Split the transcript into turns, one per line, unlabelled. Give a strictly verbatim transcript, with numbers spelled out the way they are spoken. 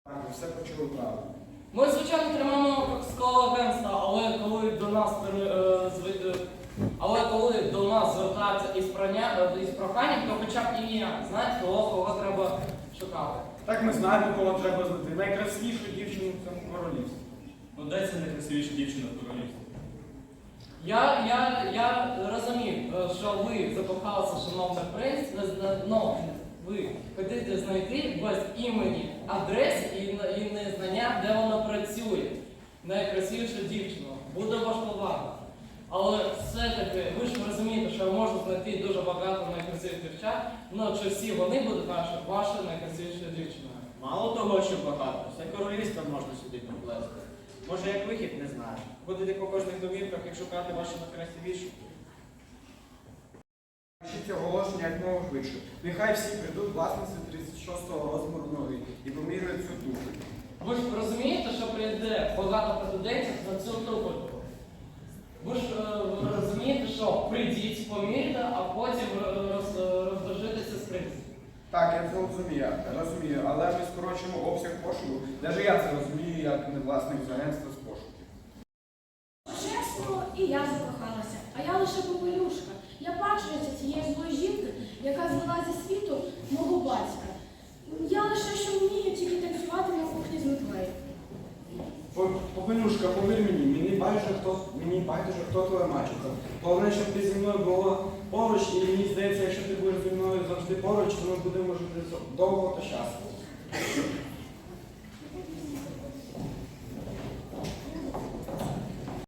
Так, ви все почули правильно.
Ми, звичайно, тримаємо скалу агентства, але коли до нас пере- е, зв- е, але коли до нас звертаються із, прання, е, із проханням, то хоча б ім'я, знаєте, кого, кого треба шукати.
Так ми знаємо, кого треба знайти. Найкрасивішу дівчину в цьому королівстві.
Ну де це найкрасивіша дівчина в королівстві?
Я, я, я розумів, е, що ви закохалися, шановний принц, але ви хочете знайти без імені, адреси і, і незнання, де вона працює. Найкрасивіша дівчина. Буде важкувато. Але все-таки ви ж розумієте, що можна знайти дуже багато найкрасивих дівчат, але чи всі вони будуть ваші, вашою найкрасивішою дівчиною?
Мало того, що багато, все королівство можна сюди поплести. Може, як вихід, не знаю. Будете по кожних домівках і шукати вашу найкрасивішу.
Пишіть цього оголошення як мого швидше. Нехай всі прийдуть власниці тридцять шостого розміру ноги і поміряють цю душу.
Ви ж розумієте, що прийде багато претендентів на цю туфельку? Ви ж е, ви розумієте, що прийдіть, поміряйте, а потім роз, роздражитися з принцем.
Так, я це розумію, розумію, але ми скорочуємо обсяг пошуку. Навіть я це розумію, як не власник з агентства з пошуків.
Чесно, і я закохалася, а я лише попелюшка. Я бачуся цієї злої жінки, яка звела зі світу мого батька. Я лише що вмію тільки танцювати на кухні з метлею.
Попелюшка, повір мені, мені байдуже, хто, мені байдуже, хто твоя мачуха. Головне, щоб ти зі мною була поруч, і мені здається, якщо ти будеш зі мною завжди поруч, то ми будемо жити довго та щасливо.